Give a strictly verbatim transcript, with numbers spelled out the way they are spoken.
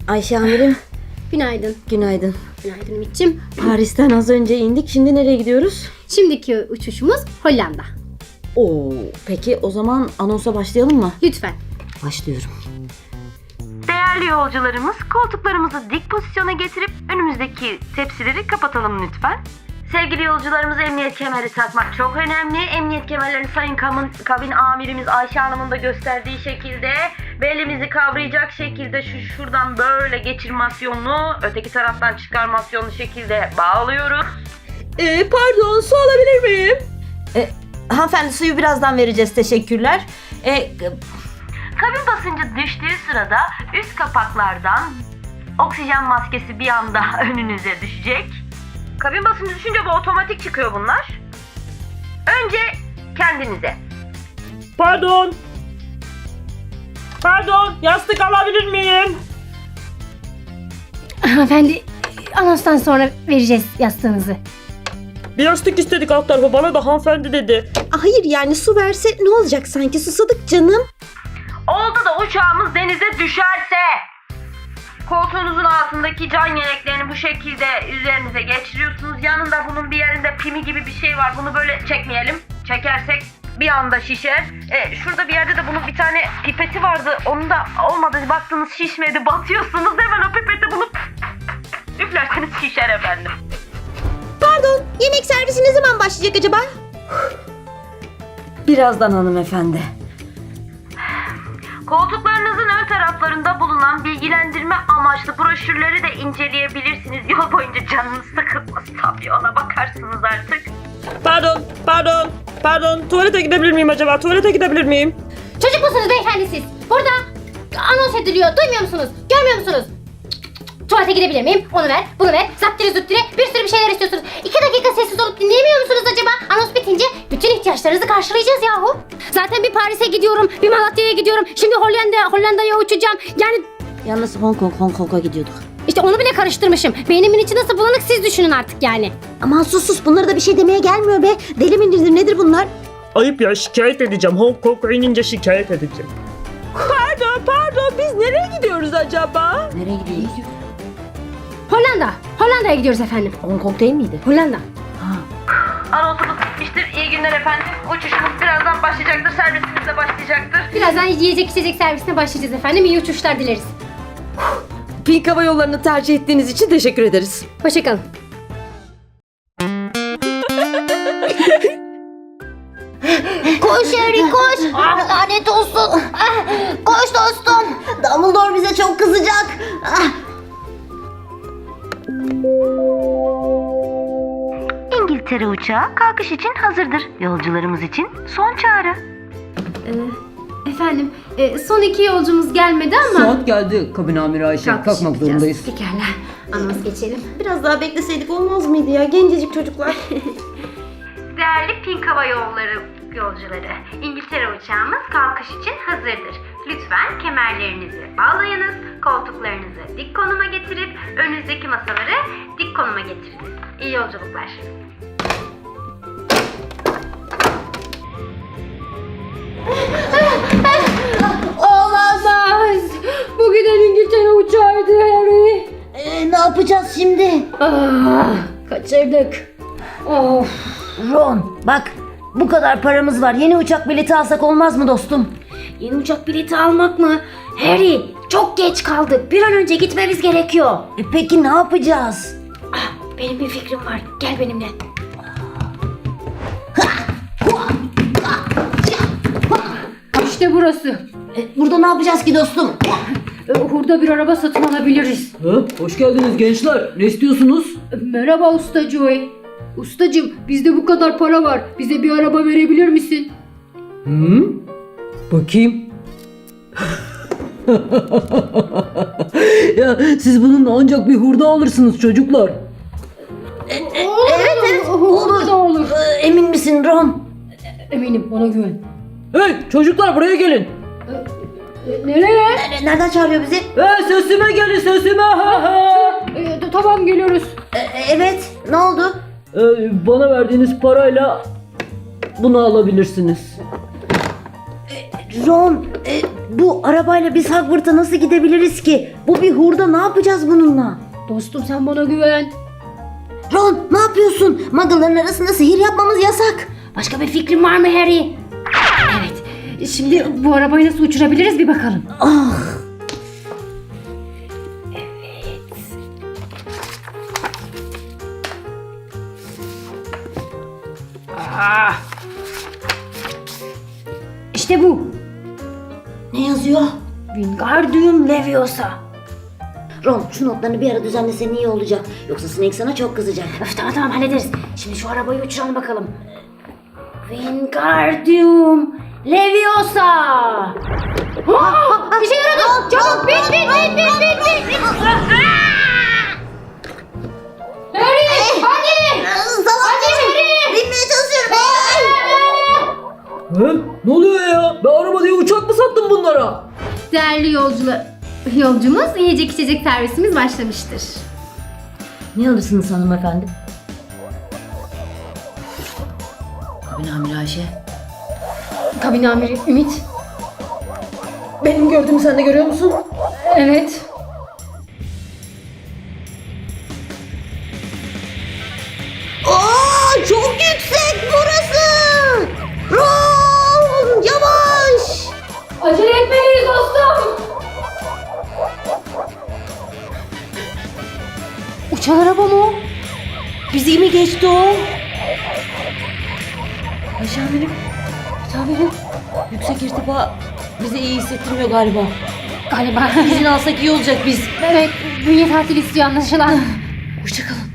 Ayşe amirim. Günaydın. Günaydın. Günaydın Ümit'ciğim. Paris'ten az önce indik. Şimdi nereye gidiyoruz? Şimdiki uçuşumuz Hollanda. Oo, peki o zaman anonsa başlayalım mı? Lütfen. Başlıyorum. Değerli yolcularımız, koltuklarımızı dik pozisyona getirip önümüzdeki tepsileri kapatalım lütfen. Sevgili yolcularımız, emniyet kemeri takmak çok önemli. Emniyet kemerlerini Sayın kabin, kabin amirimiz Ayşe Hanım'ın da gösterdiği şekilde belimizi kavrayacak şekilde şu şuradan böyle geçirmasyonlu, öteki taraftan çıkarmasyonlu şekilde bağlıyoruz. Ee, pardon, su alabilir miyim? E, hanımefendi suyu birazdan vereceğiz. Teşekkürler. E, Kabin basıncı düştüğü sırada üst kapaklardan oksijen maskesi bir anda önünüze düşecek. Kabin basıncı düşünce bu otomatik çıkıyor bunlar. Önce kendinize. Pardon. Pardon, yastık alabilir miyim? Hanımefendi, anonstan sonra vereceğiz yastığınızı. Bir yastık istedik alt tarafa, bana da hanımefendi dedi. hayır yani su verse ne olacak, sanki susadık canım. Oldu da uçağımız denize düşerse koltuğunuzun altındaki can yeleklerini bu şekilde üzerinize geçiriyorsunuz. Yanında bunun bir yerinde pimi gibi bir şey var. Bunu böyle çekmeyelim. Çekersek bir anda şişer. E, şurada bir yerde de bunun bir tane pipeti vardı. Onun da olmadı. Baktınız şişmedi. Batıyorsunuz. Hemen o pipeti bulup üflerseniz şişer efendim. Pardon, yemek servisi ne zaman başlayacak acaba? Birazdan hanımefendi. Koltuklarınızın ön taraflarında bulunan bilgilendirme amaçlı broşürleri de inceleyebilirsiniz. Yol boyunca canınız sıkılmaz tabii, ona bakarsınız artık. Pardon, pardon, pardon. Tuvalete gidebilir miyim acaba? Tuvalete gidebilir miyim? Çocuk musunuz beyefendi siz? Burada anons ediliyor. Duymuyor musunuz? Görmüyor musunuz? Tuvalete gidebilir miyim? Onu ver, bunu ver. Zaptire züttire bir sürü bir şeyler istiyorsunuz. İki dakika sessiz olup dinleyemiyor musunuz acaba? Anons bitince bütün ihtiyaçlarınızı karşılayacağız yahu. Zaten bir Paris'e gidiyorum, bir Malatya'ya gidiyorum. Şimdi Hollanda, Hollanda'ya uçacağım. Yani Yalnız Hong Kong, Hong Kong'a gidiyorduk. işte onu bile karıştırmışım. Beynimin içi nasıl bulanık siz düşünün artık yani. Aman sus sus, bunlara da bir şey demeye gelmiyor be. Deli mi nedir, nedir bunlar? Ayıp ya, şikayet edeceğim. Hong Kong'a inince şikayet edeceğim. Pardon, pardon. Biz nereye gidiyoruz acaba? Nereye gidiyoruz? Hollanda, Hollanda'ya gidiyoruz efendim. Hong Kong değil miydi? Hollanda. Anonsumuz bitmiştir. İyi günler efendim. Uçuşumuz birazdan başlayacaktır. Servisimiz de başlayacaktır. Birazdan yiyecek içecek servisine başlayacağız efendim. İyi uçuşlar dileriz. Pink Hava Yolları'nı tercih ettiğiniz için teşekkür ederiz. Hoşçakalın. Koş Harry koş. Ah, lanet olsun. Ah, koş dostum. Dumbledore bize çok kızacak. Ah. İngiltere uçağı kalkış için hazırdır. Yolcularımız için son çağrı. Ee, efendim, e, son iki yolcumuz gelmedi ama... Saat geldi kabin amiri Ayşe. Kalkış Kalkmak yapacağız. zorundayız. Pekala. Anons geçelim. Biraz daha bekleseydik olmaz mıydı ya? Gencecik çocuklar. Değerli Pink Hava Yolları yolcuları, İngiltere uçağımız kalkış için hazırdır. Lütfen kemerlerinizi bağlayınız, koltuklarınızı dik konuma getirip önünüzdeki masaları dik konuma getiriniz. İyi yolculuklar. Olamaz. Bu giden İngiltere uçağıydı Harry. Ee, ne yapacağız şimdi? Ah, kaçırdık. Of. Ron bak, bu kadar paramız var. Yeni uçak bileti alsak olmaz mı dostum? Yeni uçak bileti almak mı? Harry, çok geç kaldık. Bir an önce gitmemiz gerekiyor. E, peki ne yapacağız? Ah, benim bir fikrim var. Gel benimle. İşte burası. E, burada ne yapacağız ki dostum? Ee, Hurda bir araba satın alabiliriz. Ha, hoş geldiniz gençler. Ne istiyorsunuz? Merhaba Usta Joey. Ustacığım, bizde bu kadar para var. Bize bir araba verebilir misin? Hı? Bakayım. Ya siz bununla ancak bir hurda alırsınız çocuklar. Evet evet. Hurda da olur. Ee, emin misin Ron? Eminim, bana güven. Hey çocuklar, buraya gelin. E, nereye? E, nereden çağırıyor bizi? Hey sesime gelin, sesime. Ha, ha. E, t- tamam geliyoruz. E, evet, ne oldu? Ee, bana verdiğiniz parayla bunu alabilirsiniz. Ron, e, Bu arabayla biz Hogwarts'a nasıl gidebiliriz ki? Bu bir hurda, ne yapacağız bununla? Dostum sen bana güven. Ron, ne yapıyorsun? Muggle'ların arasında sihir yapmamız yasak. Başka bir fikrin var mı Harry? Evet. Şimdi bu arabayı nasıl uçurabiliriz bir bakalım. Ah! İşte bu. Ne yazıyor? Wingardium Leviosa. Ron, şu notlarını bir ara düzenlesen iyi olacak. Yoksa Snape sana çok kızacak. Öf, tamam tamam hallederiz. Şimdi şu arabayı uçuralım bakalım. Wingardium Leviosa. Aa, bir şey yaradı. Çabuk bin bin bin bin bin bin. bin. Harry hadi. Salak! Binmeye çalışıyorum. He? Ne oluyor ya? Ben araba diye uçak mı sattım bunlara? Değerli yolcular, yolcumuz yiyecek içecek servisimiz başlamıştır. Ne alırsınız hanımefendi? Kabin amiri Ayşe. Kabin amiri Ümit. Benim gördüğümü sen de görüyor musun? Evet. Aa, çok yüksek burası. Ron, yavaş. Acele etmeliyiz dostum. Uçan araba mı o? Bizi mi geçti o? Ayşe amirim. Amirim. Yüksek irtifa bize iyi hissettirmiyor galiba. Galiba. İzin alsak iyi olacak biz. Evet, bünye tatil istiyor anlaşılan. Hoşçakalın.